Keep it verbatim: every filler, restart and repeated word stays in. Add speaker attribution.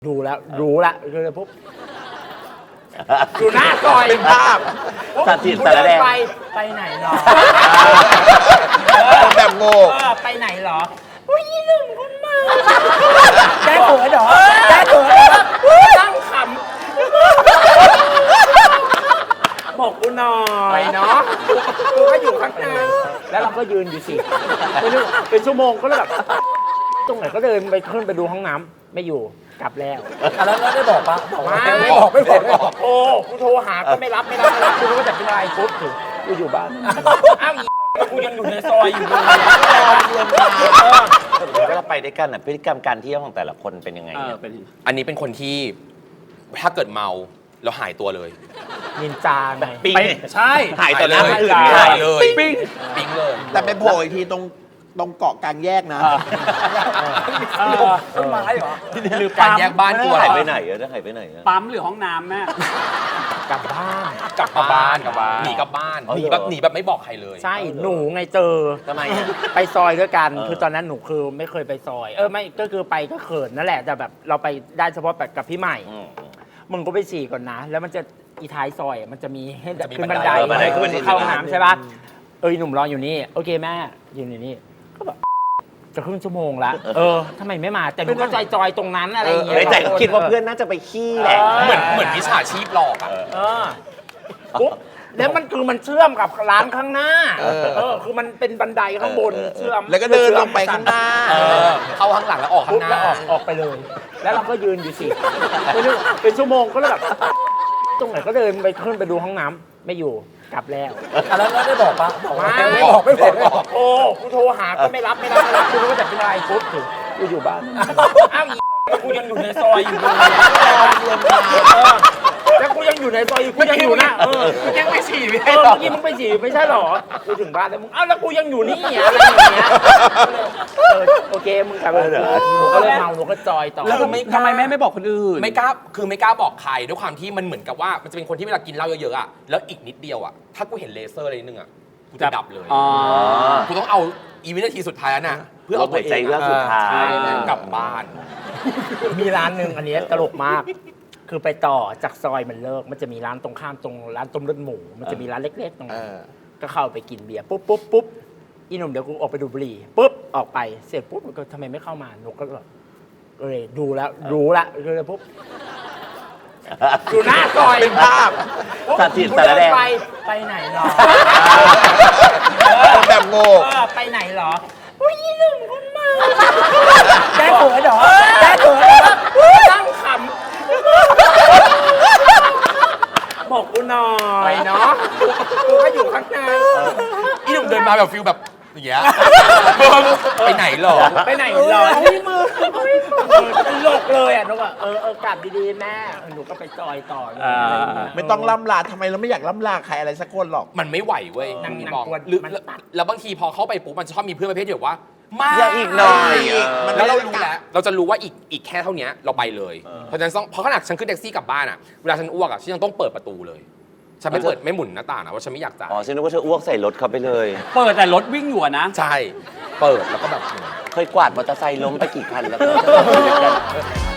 Speaker 1: ดูแล้วรู้ละคือปุ๊บอยู่หน้าซอย
Speaker 2: เป็นภาพ
Speaker 1: ตัดสินแต่ละแดงไปไปไหนหรอ
Speaker 2: แบบโง่
Speaker 1: เออไปไหนหรออุ้ยหนุ่มคนมาแกเขินเหรอแกเขินเหรอตั้งขำบอกกูหน่อยเนาะกูก็อยู่ข้างในแล้วเราก็ยืนอยู่สิไม่รู้เป็นชั่วโมงก็เลยแบบตรงไหนก็เดินไปขึ้นไปดูห้องน้ำไม่อยู่กลับแล้วแล้วแล้วได้บอกปะบอกว่าไม่บอกไม่บอกไม่บอกโอ้กูโทรหาก็ไม่รับไม่รับไม่รับกูก็จะเป็นอะไรปุ๊บถึงกูอยู่บ้านอ้าวกูยังอยู่ในซอยอยู่เลย
Speaker 2: เวลาไปด้วยกันอ่ะพฤติกรรมการเที่ยวของแต่ละคนเป็นยังไงเนี่ย
Speaker 3: อันนี้เป็นคนที่ถ้าเกิดเมาแล้วหายตัวเลย
Speaker 1: นินจาไง
Speaker 2: ปิ้ง
Speaker 3: ใช่
Speaker 2: หายต่อหน้าคนอื่น
Speaker 3: หายเลย
Speaker 2: ปิ้ง
Speaker 3: ปิ้งเลย
Speaker 4: แต่ไปโผล่อีกทีตรงตรงเกาะกลางแยกนะ
Speaker 1: ต้นไม้เหรอ
Speaker 3: หรือการแยกบ้านกลัว
Speaker 2: หายไป
Speaker 3: อะไร
Speaker 2: ไหนอะหายไปไหนอะ
Speaker 5: ปั๊มหรือห้องน้ำแม่
Speaker 1: กลับบ้าน
Speaker 3: กลับมาบ้าน
Speaker 5: กลับบ้าน
Speaker 3: หนีกลับบ้าน
Speaker 2: อ๋อ
Speaker 3: หนี
Speaker 2: เหรอ
Speaker 3: แบบหนีแบบไม่บอกใครเลย
Speaker 1: ใช่หนูไงเจอ
Speaker 2: ทำไมอะ
Speaker 1: ไปซอยด้วยกัน
Speaker 2: เออ
Speaker 1: คือตอนนั้นหนูคือไม่เคยไปซอย เออไม่ก็คือไปก็เขินนั่นแหละแต่แบบเราไปได้เฉพาะแบบกับพี่ใหม่
Speaker 2: อืม
Speaker 1: มึงก็ไปฉี่ก่อนนะ แล้วมันจะอีท้ายซอยอะมันจะมีให้
Speaker 3: จะมี
Speaker 1: ขึ้น
Speaker 3: บั
Speaker 1: บัน
Speaker 3: นได
Speaker 1: ได
Speaker 2: เออบันไดขึ้น
Speaker 1: ขึ้นเข้าห้องน้ำใช่ปะเออหนุ่มรออยู่นี่โอเคแม่ยืนอยู่นี่ก็แบบจะครึ่งชั่วโมงละเออทำไมไม่มาแต่หนูก็จอยๆตรงนั้นอะไรอย่างเงี้ย
Speaker 2: ในใจก็คิดว่าเพื่อนน่าจะไปขี้แหละ
Speaker 3: เหมือนเหมือนมิจฉาชีพหลอกอ่ะ
Speaker 1: เออปุ๊บแล้วมันคือมันเชื่อมกับร้านข้างหน้า
Speaker 4: เออ
Speaker 1: เออคือมันเป็นบันไดข้างบนเชื่อม
Speaker 4: แล้วก็เดินลงไปข้างหน้า
Speaker 3: เออเข้าข้างหลังแล้วออกข้า
Speaker 1: ปุ๊บ
Speaker 3: งห
Speaker 1: แล้ว
Speaker 3: น้า
Speaker 1: ออกออกไปเลย แล้วเราก็ยืนอยู่สิไม่รู้เป็นชั่วโมงก็เลยแบบตรงไหนก็เดินไปขึ้นไปดูห้องน้ำไม่อยู่กลับแล้วแล้วแล้วได้บอกปะบอกว่าไม่บอกไม่บอกไม่บอกโอ้กูโทรหาก็ไม่รับไม่รับไม่รับกูก็จะเป็นอะไรปุ๊บถึงกูอยู่บ้านอ้าวกูยังอยู่ในซอยอยู่เลยแล้วกูยังอยู่ในซอยอยู่กูยังอยู่นะเออ
Speaker 3: ยังไม่ฉี่ไม่
Speaker 1: เอ
Speaker 3: ได้
Speaker 1: อ
Speaker 3: หรอ
Speaker 1: เมื่อกี้มึงไปฉี่ไม่ใช่หรอ กูถึงบ้านแล้วมึง เอ้าแล้วกูยังอยู่นี่อะไรอย่างเงี้ยเออโอเคมึงกลับไปหนูก็เลยเมาหนูก็จอยต่อ
Speaker 5: แล้วทำไมทำไมแม่ไม่บอกคนอื่น
Speaker 3: ไม่กล้าคือไม่กล้าบอกใครด้วยความที่มันเหมือนกับว่ามันจะเป็นคนที่เวลากินเหล้าเยอะๆอ่ะแล้วอีกนิดเดียวอ่ะถ้ากูเห็นเลเซอร์อะไรนิดนึงอ่ะกูจะดับเลย
Speaker 5: อ๋อ
Speaker 3: กูต้องเอาอีวินาทีสุดท้ายนั้นน่ะเพื่อเอาตัวเอง
Speaker 2: หายใจเรื่องสุดท้าย
Speaker 3: ใช่กลับบ้าน
Speaker 1: มีร้านหนึ่งอันเนี้ยตลกมาก คือไปต่อจากซอยมันเลิก มันจะมีร้านตรงข้ามตรงร้านต้มเลือดหมู มันจะมีร้านเล็กๆตรงนั้น
Speaker 4: เออ
Speaker 1: ก็เข้าไปกินเบียร์ปุ๊บปุ๊บปุ๊บอีหนุ่มเดี๋ยวกูออกไปดูบุหรี่ปุ๊บออกไปเสร็จปุ๊บมันก็ทำไมไม่เข้ามาหนูก็แบบเออดูแล้วรู้ละก็เลยปุ๊บอยู่หน้าซอย
Speaker 4: เป็นภาพ
Speaker 2: ตัดสินแต่ละแดง
Speaker 1: ไปไปไหนหรอ
Speaker 4: แบบโง่
Speaker 1: เออไปไหนหรออุ้ยหนุ่มคนมาแกเขินเหรอแกเขินเหรอตั้งขำบอกกูหน่อยเนาะกูก็อยู่ข้างใน
Speaker 3: อีหนุ่มเดินมาแบบฟิลแบบอย่างเงี้ยไปไหนหรอ
Speaker 1: ไปไหนหรออุ้ยมือตลกเลยอ่ะนุกอ่ะเออเออกลับดีๆแม่หนูก็ไปจอยต่อ
Speaker 5: อ่า
Speaker 4: ไม่ต้องล่ำลาทำไมเราไม่อยากล่ำลาใครอะไรสักคนหรอก
Speaker 3: มันไม่ไหวเว้ย
Speaker 1: นั่ง
Speaker 3: พี่
Speaker 1: นั่ง
Speaker 3: บอก
Speaker 1: กวน
Speaker 3: หรือ
Speaker 1: มัน
Speaker 3: แล้ว
Speaker 1: ตัด
Speaker 3: แล้วบางทีพอเข้าไปปุ๊บมันจะชอบมีเพื่อนประเภทเดียวว่ามา
Speaker 2: อย่าอีกหน่อย
Speaker 4: อีกมัน
Speaker 3: แล้วเรารู้แล้วเราจะรู้ว่าอีกอีกแค่เท่านี้เราไปเลย เพราะฉะนั้นต้องเพราะขนาดฉันขึ้นแท็กซี่กลับบ้านอ่ะเวลาฉันอ้วกอ่ะฉันยังต้องเปิดประตูเลยฉันไม่เปิดไม่หมุนหน้าต่างนะว่าฉันไม่อยากจ่าย
Speaker 2: อ๋อฉันนึกว่าเธออ้วกใส่รถเขาไปเลย
Speaker 5: เปิดแต่รถวิ่งอยู่อะนะ
Speaker 3: ใช่เปิดแล้วก็แบบ
Speaker 2: เคยกวาดมอเตอร์ไซค์ล้มไปกี่คันแล้วก็